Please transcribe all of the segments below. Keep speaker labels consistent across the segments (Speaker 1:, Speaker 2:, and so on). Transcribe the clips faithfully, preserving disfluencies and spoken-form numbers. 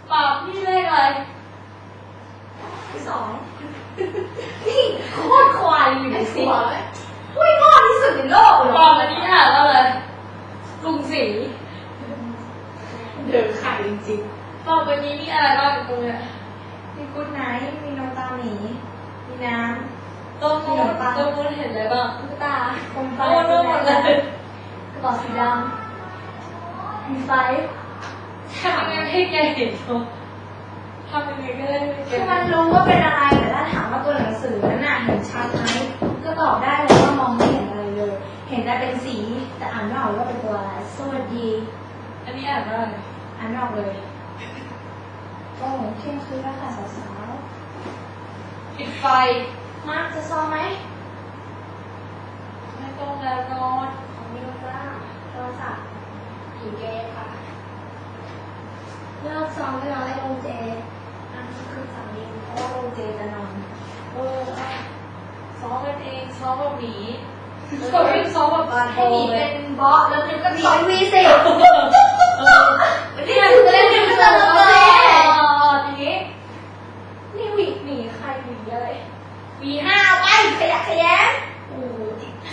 Speaker 1: ปากพี่เลขอะไร
Speaker 2: ที่สองนี่โคตรควายอยู่ในสิอุ้ยงอที่สุดในโลกเลย
Speaker 1: บอกอันนี้อ่ะเราเลยกรุงศรี
Speaker 2: เดือดไข่จริง
Speaker 1: ๆบอกวันนี้มีอะไรบ้างตรงเนี้ย
Speaker 2: มีกุ๊ดไนท์มีน้ำตาหมีมีน้ำ
Speaker 1: ตรงนู้นตรงนู้นเห็นอะไรบ้าง
Speaker 2: ตุ๊กตาโคมไฟ
Speaker 1: โอ้โหหมดเลย
Speaker 2: กระบอกสีดำมีไฟ
Speaker 1: ทำยังไงให้แกเห็นเขาทำยังไงก็ได้ให้แก
Speaker 2: คือมันรู้ว่าเป็นอะไรแต่ถ้าถามว่าตัวหนังสือนั้นน่ะเห็นชัดไหมก็ตอบได้เลยว่ามองไม่เห็นอะไรเลยเห็นแต่เป็นสีแต่อ่านไม่ออกว่าเป็นตัวอะไรสวัสดี
Speaker 1: อันนี้อ่านว่าอะไร
Speaker 2: อ่านไม่ออกเลยโอ้เที่ยงคืนแล้วค่ะสาว
Speaker 1: ๆปิดไฟ
Speaker 2: มาจะซ้อมไหม
Speaker 1: ไม่ต้องแล้วนอน
Speaker 2: ของมิวจ้าโทรศัพท์ผีเกย์ค่ะเลิกซ้อมไม่นอนให้ลงเจอันนี้คือสามีเพราะว่าลงเจจะนอน
Speaker 1: เออซ้อมกันเองซ้อมแบบหมีก็ไม่ซ้อมแบบบาโบ
Speaker 2: ให้หมี
Speaker 1: เล
Speaker 2: เป็
Speaker 1: ย
Speaker 2: นบอสแล้วมิวก็ซ้อมวีสินี่มันจะเล่นมิวก็จะลงเจ
Speaker 1: ทีนี้
Speaker 2: นี่หวีหมีใครหวีอะไรหวีห้าไปขยะขยะโอ้โห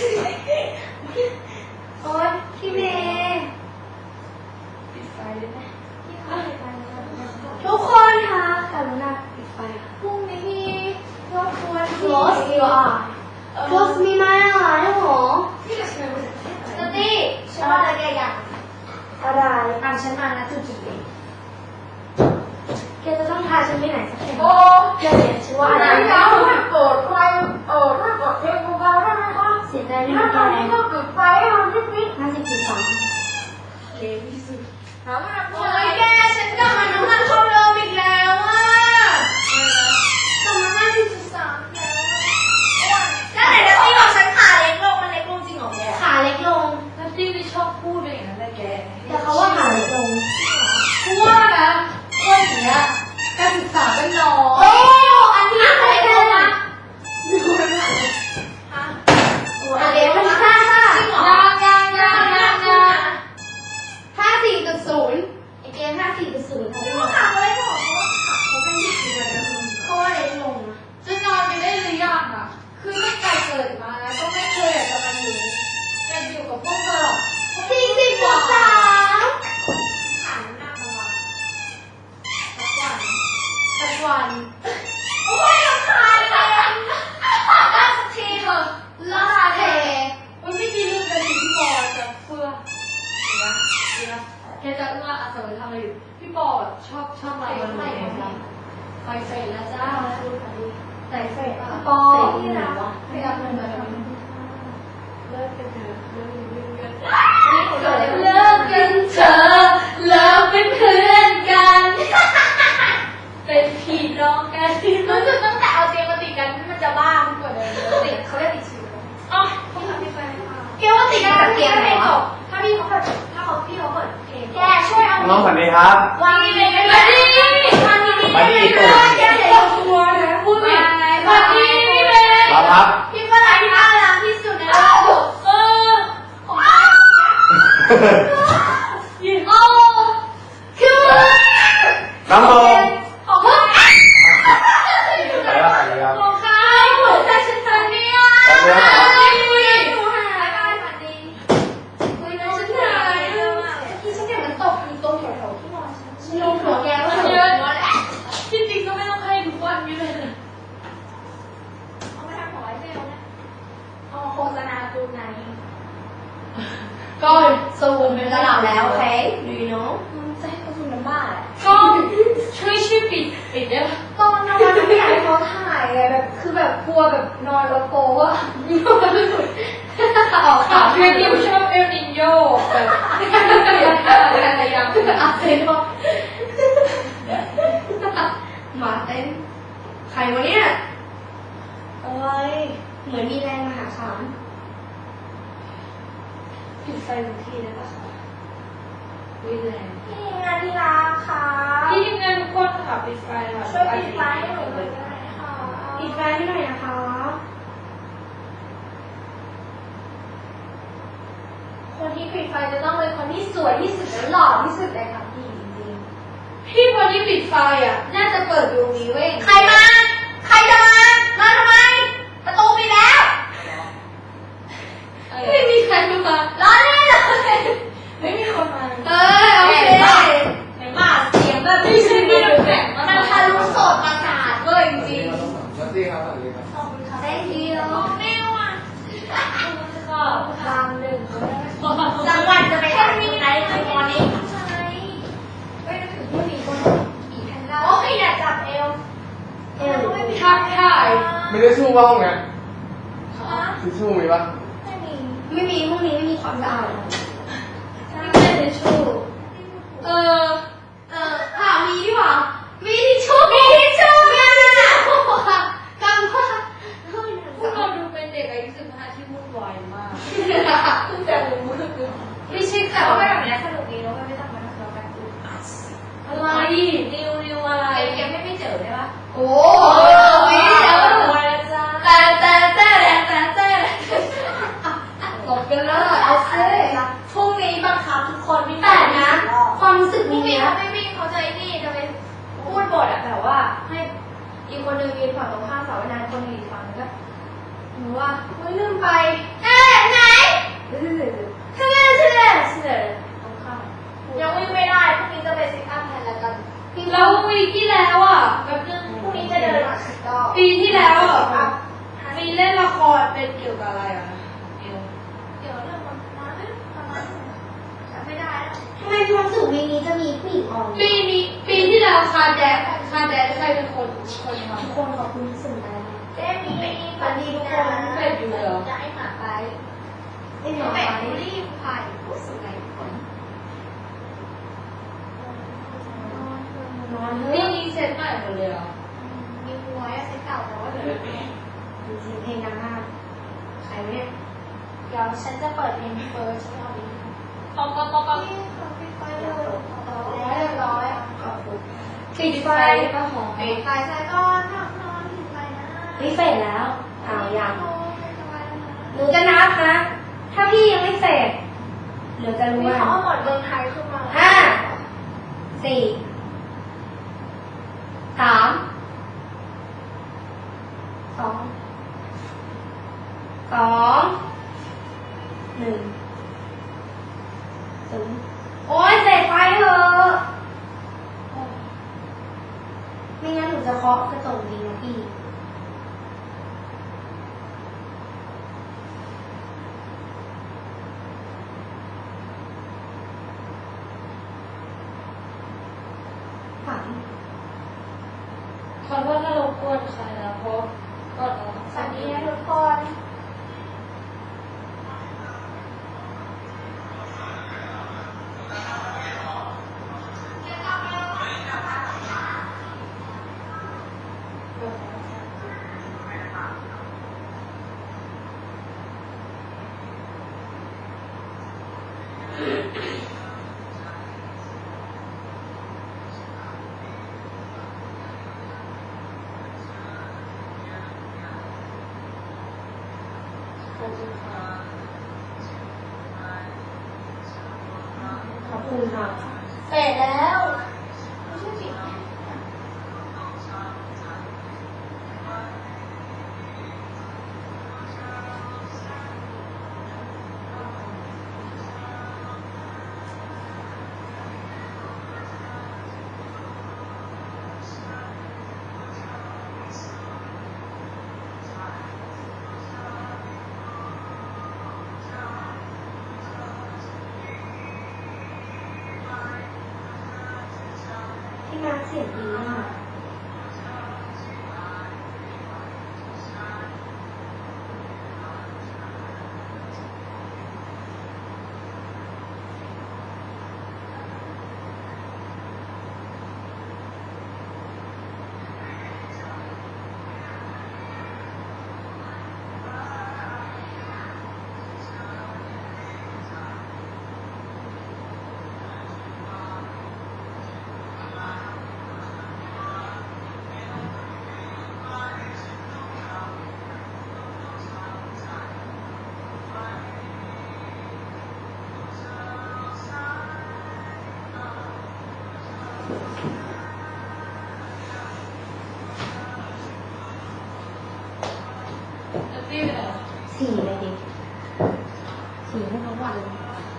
Speaker 2: โอ๊ยพี่เมย์
Speaker 1: ปิดไฟได้ไหม
Speaker 2: ทุกคนค่ะกรุณาปิดไฟพรุ่งนี้มีรบกวน Close you are Close มีไหมอ่ะเนี่ยหรอสตี้ฉันว่าอะไรแกอยากอะไรตามฉันมานะจุดจุดนี้แกจะต้องพาฉันไปไหนสักแห่งโอ้แกเนี่ยฉันว่าอะไรนะถ้าเกิดใครเออถ้าเกิดเพลงเบาๆได้ไหมคะเสียใจด้วยนะแกตอนนี้ก็เกิดไฟอ่ะนิดนิดห้าสิบจุดสามเลวที่สุดถามว่าโอ้ยแกฉันกลับมาน้ำมันเข้าเดิมอีกแล้วอ่ะกลับมาห้าสิบจุดสามแล้วไหนนะพี่บอกฉันขาเล็กลงมันเล็กลงจริงเหรอแกขาเล็กลง
Speaker 1: แล้วที่ไม่ชอบพูดเป็นอย่างนั้นเลยแก
Speaker 2: แต่เขาว่าขาเล็กลง
Speaker 1: พูดว่านะว่าอย่างเงี้ยการศึกษาเป็นน้อย
Speaker 2: โอ้อันนี้ขาเล็กลงนะดูมันฮะโอ้อันเล็กมันห้าห้าจริงเหรอยางยางยางยางยางห้าสี่จุดศูนย์ไอเกมห้าสี่จุดศูนย์เขาไม่ขาเขาไม่บอกเขาว่าขาเขาเป็นยี่สิบเลยนะเขาว่าเล็กลงนะ
Speaker 1: จะนอนไปได้หรือยังอ่ะคือตั้งแต่เกิดมาแล้วก็ไม่เคยอยากจะมาอยู่อยากอยู่กับพวกเธอหรอก
Speaker 2: สี่สิบจุดสามขาน้ำหนักมาวันสักวันสักวันโอ้ยรำคาญเลยล่าสักทีเถอะล่าเท
Speaker 1: มันไม่มีเรื่องกันที่พี่ปอจะเพื่อเนะเนะแกจะว่าอาสาทำอะไรอยู่พี่ปอชอบชอบอะไรมันไหนบ้างไฟเฟรแล้วจ้า
Speaker 2: ใส่เฟรปอที่ไหนวะไม่รับเงินมาทำ
Speaker 1: เลิกกันเถอะเลิกกัน
Speaker 2: เลิกกันเถอะเลิกเป็นเพื่อนกัน
Speaker 1: เป็นพี่น้องกัน
Speaker 2: รู้สึกตั้งแต่เอาเตียงมาติดกันมันจะบ้ามันกว่าเดิมติดเขาเรียกติดชิว
Speaker 1: อ๋อพี่ทำพี่ไป
Speaker 2: เกี่ยวว่าติดกันกับเตียงไหนจบถ้าพี่เขาเปิดถ้าเขาพี่เขาเปิดเพลงแกช่วยเอา
Speaker 3: น้องสวัสดีครับ
Speaker 2: วันนี้มาดิมาดิ
Speaker 3: มาดิ
Speaker 2: ตัวแกเดี๋ยวตัวนะพูดผิดมาดิพี่เบย์
Speaker 3: รับครับ
Speaker 2: พี่ฝรั่งที่น่ารักที่สุดในโลก
Speaker 1: เออ
Speaker 2: ของยินโอ้คือ
Speaker 3: น้องโต
Speaker 2: ของเพื่อน
Speaker 3: อะไรวะอะไรครับ
Speaker 2: ของใครของแต่ฉันเธอเนี่ยคุยคุยหาได้มาดีคุยนะฉันเหนื่อยที่ฉันเนี่ยมันตกอยู่ตรงแถวๆที่นอนฉันลงหัวแกว่าเยอะ
Speaker 1: ที่จริงก็ไม่ต้องให้ทุกวันนี้เลย
Speaker 2: เอามาทำหอยเซลนะเอามาโฆษณาตูไหน
Speaker 1: ก็ซูมเป็นระดับแล้ว
Speaker 2: โอเคดูโน้มันจะให้เขาซูมน้ำบ้าแหละ
Speaker 1: ก็ช่วยช่วยปิดปิดได้ปะ
Speaker 2: ตอนนอนไม่อยากให้เขาถ่ายเลยแบบคือแบบกลัวแบบนอนแล้วโป๊ะ
Speaker 1: ออกข่าวที่ดิวชอบเอลนิโยแบบอะไรอย่างเงี้ย
Speaker 2: อาเซนบอกมาเต้นใครวะเนี่ยอะไรเหมือนมีแรงมหาศาล
Speaker 1: ปิดไฟทุกทีได้ปะคะวิแรง
Speaker 2: พี่งานที่รักค่ะ
Speaker 1: พี่ทีมงานทุกคนค่ะปิดไฟค่ะ
Speaker 2: ช่วยปิดไฟให้หนูหน่อยได้ไหมคะปิดไฟให้หน่อยนะคะคนที่ปิดไฟจะต้องเป็นคนที่สวยที่สุดและหล่อที่สุดเลยค่ะพี่จริงๆ
Speaker 1: พี่คนที่ปิดไฟอ่ะน่าจะเปิดอยู่นี้เว้ย
Speaker 2: ใครมา ใครจะมา มาทำไม ประตูปิดแล้ว
Speaker 1: ไม่มีใครมา
Speaker 2: ร้อนแน่เลย
Speaker 1: ไม่มีคนมา
Speaker 2: เออโอเค
Speaker 1: เห็นป่ะเสียงแบบไม่ใช่ไม่น้ำแข็ง
Speaker 2: มันทะลุโสดประสาทเว้ยจริง
Speaker 3: สวัสดีครับสวัสดีครับ
Speaker 2: ๆขอบคุณค่ะ thank you ไม่ว่ะ
Speaker 1: ก็ทางหนึ่ง
Speaker 2: จังหวัดจะไปทำอะไรในวันนี้เฮ้ยนึกถึงผู้หญิงคนอีแพนด้าโอ้ยอยากจับเอวเอวไม่มี
Speaker 1: ทักทาย
Speaker 3: ไม่ได้ชู่บ้างไง
Speaker 2: ฮะ
Speaker 3: ทิชชู่มีปะ
Speaker 2: ไม่มี ไม่มีพวกนี้ไม่มีความสะอาด
Speaker 1: ไม่เป็นทิชชู่เออ
Speaker 2: เออค่ะมีดีกว่ามีทิชชู่มีทิชชู่มีทิชชู่กำว่า
Speaker 1: พวกเราดูเป็นเด็กอายุสิบห้าที่วุ่นวายมากแต่ไม่ใช่
Speaker 2: แต่
Speaker 1: ข่าว
Speaker 2: ว่าแบบนี้สนุกดีแล้วไม่ต้องมาทะเลาะกัน
Speaker 1: อะไรนิวนิวอะไร
Speaker 2: เกมไม่ไม่เจอได้ปะ
Speaker 1: โอ้
Speaker 2: ย
Speaker 1: ย
Speaker 2: เดี๋ยว
Speaker 1: จ้า
Speaker 2: แต่แต่แต่แต่แต่
Speaker 1: ตบกันแล้วเอาซิ
Speaker 2: พรุ่งนี้บังคับทุกคนวิ่ง
Speaker 4: แต่นะ ความรู้สึก
Speaker 2: พรุ่ง
Speaker 4: นี้
Speaker 2: นี้
Speaker 4: นะ
Speaker 2: เขาไม่วิ่งเขาจะไอ้นี่จะไปพูดบทอะแบบว่าให้อีกคนนึงยืนฝั่งตรงข้ามเสาไว้นานคนนึงอีกฝั่งนึงก็หนูว่าไม่ลืมไปเอ๊ะไหนทำไมใช่เลยใช่เลยตรงข้ามยังวิ่งไม่ได้พรุ่งนี้จะไปซิทอัพแทนแล้วกัน
Speaker 1: แล้ววีที่แล้วอ่ะ
Speaker 2: แป๊บนึงพรุ่งนี้จะเดินมาสิบรอบ
Speaker 1: ปีที่แล้วอ่ะ
Speaker 2: อ่ะ
Speaker 1: มีเล่นละครเป็นเกี่ยวกับอะไรอ่ะนิว
Speaker 2: เดี๋ยวเรื่องมันมาไม่ประมาณจำไม่ได้แล้ว
Speaker 4: ทำไมความรู้สึกในนี้จะมีผู้หญิงออก
Speaker 1: ปีนี้ปีที่แล้วคาแดนคาแดนใครเป็นคนคนท
Speaker 4: ทุกคนขอบคุณที่สนใจนะ
Speaker 2: เจ๊มีสวัสดีทุกคน
Speaker 1: ำเป็นอยู่เลยเหรอ
Speaker 2: จะให้หมาไป
Speaker 4: ไอ้หม
Speaker 2: เดี๋
Speaker 4: อ
Speaker 2: ยว
Speaker 4: ไป
Speaker 2: แบ่งบุรีผู้ชายผู้สูงอายุคน
Speaker 4: นอนเถ
Speaker 1: นี่
Speaker 4: อะ
Speaker 1: มีเซตใหม่หมดเลยเหรอ
Speaker 2: มีหัวเซ็ตเก่าแต่ว่าเดี๋ยว
Speaker 4: จริงๆเพลงดังมากใครเนี่ย
Speaker 2: เดี๋ยวฉันจะเปิดเพลงเฟิร์สรอบนี้
Speaker 1: ป๊อปป๊อปป๊อปป๊อป
Speaker 2: นี่ขอปิดไฟเลยร้อยเรียบร้อย
Speaker 4: ขอบคุณ
Speaker 1: ปิดไฟป่ะหอม
Speaker 2: ปิดไฟใส่ก้อนทำนอนปิดไฟนะ
Speaker 4: นี่เสร็จแล้วอ้าวยัง
Speaker 2: โอ้ยสบายแล้วนะ
Speaker 4: หนูจะนับนะ ถ้าพี่ยังไม่เสร็จเดี๋ยวจะรู้
Speaker 2: มี
Speaker 4: ว่า
Speaker 2: เขาเอาหมดเมืองไทยขึ้นมา
Speaker 4: ห้าสี่สามสองสองหนึ่งศูนย์โอ๊ยเสร็จไฟเถอะไม่งั้นหนูจะเคาะกระจกดีนะพี่ ฝัน
Speaker 1: ขอโทษถ้ารบกวนใครนะเพราะก็เรา
Speaker 2: สวัสดีนะทุกคน
Speaker 4: ขอบคุณค่ะ
Speaker 2: เสร็จแล้วไม่ใช่ปิดไหม
Speaker 4: ที่มาเสียงดีมาก
Speaker 1: นัตตี้ไปไหน
Speaker 2: สี่เลยดิ
Speaker 4: สี่ให้เขาวาดเลย
Speaker 1: เ